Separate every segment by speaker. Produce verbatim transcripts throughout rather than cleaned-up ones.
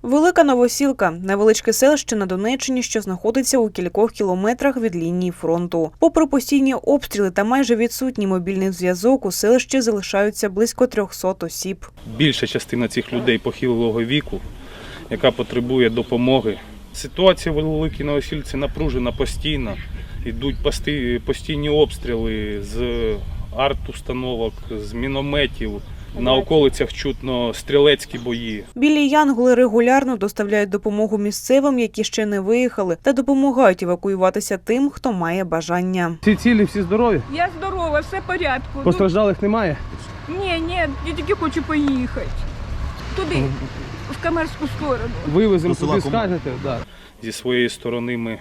Speaker 1: Велика Новосілка – невеличке селище на Донеччині, що знаходиться у кількох кілометрах від лінії фронту. Попри постійні обстріли та майже відсутній мобільний зв'язок, у селищі залишаються близько трьохсот осіб.
Speaker 2: Більша частина цих людей похилого віку, яка потребує допомоги. Ситуація в Великій Новосілці напружена постійно. Йдуть постійні обстріли з арт-установок, з мінометів. На околицях чутно стрілецькі бої.
Speaker 1: Білі янголи регулярно доставляють допомогу місцевим, які ще не виїхали, та допомагають евакуюватися тим, хто має бажання.
Speaker 3: Всі цілі, всі здорові?
Speaker 4: Я здорова, все в порядку.
Speaker 3: Постраждалих немає?
Speaker 4: Ні, ні, я тільки хочу поїхати. Туди, в Камерську сторону.
Speaker 3: Вивеземо туди, скажете? Да.
Speaker 2: Зі своєї сторони ми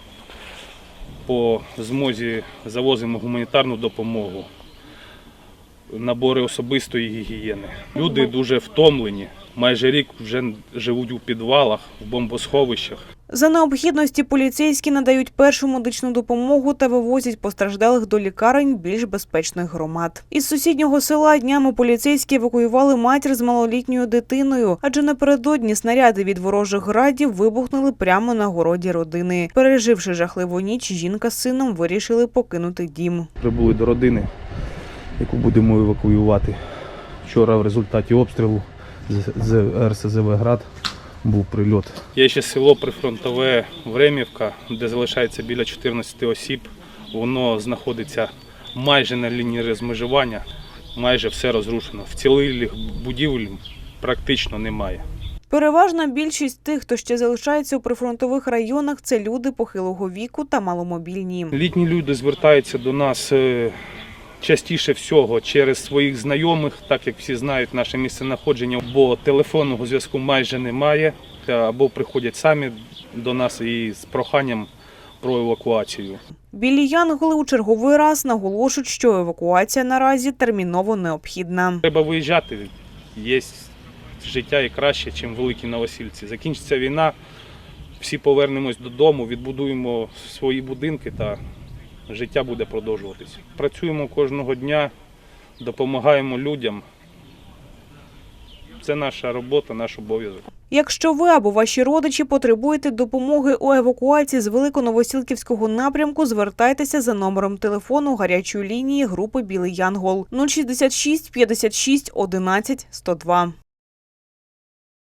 Speaker 2: по змозі завозимо гуманітарну допомогу, набори особистої гігієни. Люди дуже втомлені, майже рік вже живуть у підвалах, в бомбосховищах.
Speaker 1: За необхідності поліцейські надають першу медичну допомогу та вивозять постраждалих до лікарень більш безпечних громад. Із сусіднього села днями поліцейські евакуювали матір з малолітньою дитиною, адже напередодні снаряди від ворожих градів вибухнули прямо на городі родини. Переживши жахливу ніч, жінка з сином вирішили покинути дім.
Speaker 3: Прибули до родини, яку будемо евакуювати. Вчора в результаті обстрілу з ер ес зе ве «Град» був прильот.
Speaker 2: Є ще село прифронтове Времівка, де залишається біля чотирнадцяти осіб. Воно знаходиться майже на лінії розмежування, майже все розрушено. Вцілілих будівель практично немає.
Speaker 1: Переважна більшість тих, хто ще залишається у прифронтових районах, це люди похилого віку та маломобільні.
Speaker 2: Літні люди звертаються до нас частіше всього через своїх знайомих, так як всі знають наше місценаходження, бо телефонного зв'язку майже немає, або приходять самі до нас і з проханням про евакуацію.
Speaker 1: Білі янголи у черговий раз наголошують, що евакуація наразі терміново необхідна.
Speaker 2: Треба виїжджати, є життя і краще, ніж в Великій Новосілці. Закінчиться війна, всі повернемось додому, відбудуємо свої будинки та життя буде продовжуватися. Працюємо кожного дня, допомагаємо людям. Це наша робота, наш обов'язок.
Speaker 1: Якщо ви або ваші родичі потребуєте допомоги у евакуації з Великоновосілківського напрямку, звертайтеся за номером телефону гарячої лінії групи «Білий Янгол» нуль шістдесят шість п'ятдесят шість одинадцять сто два.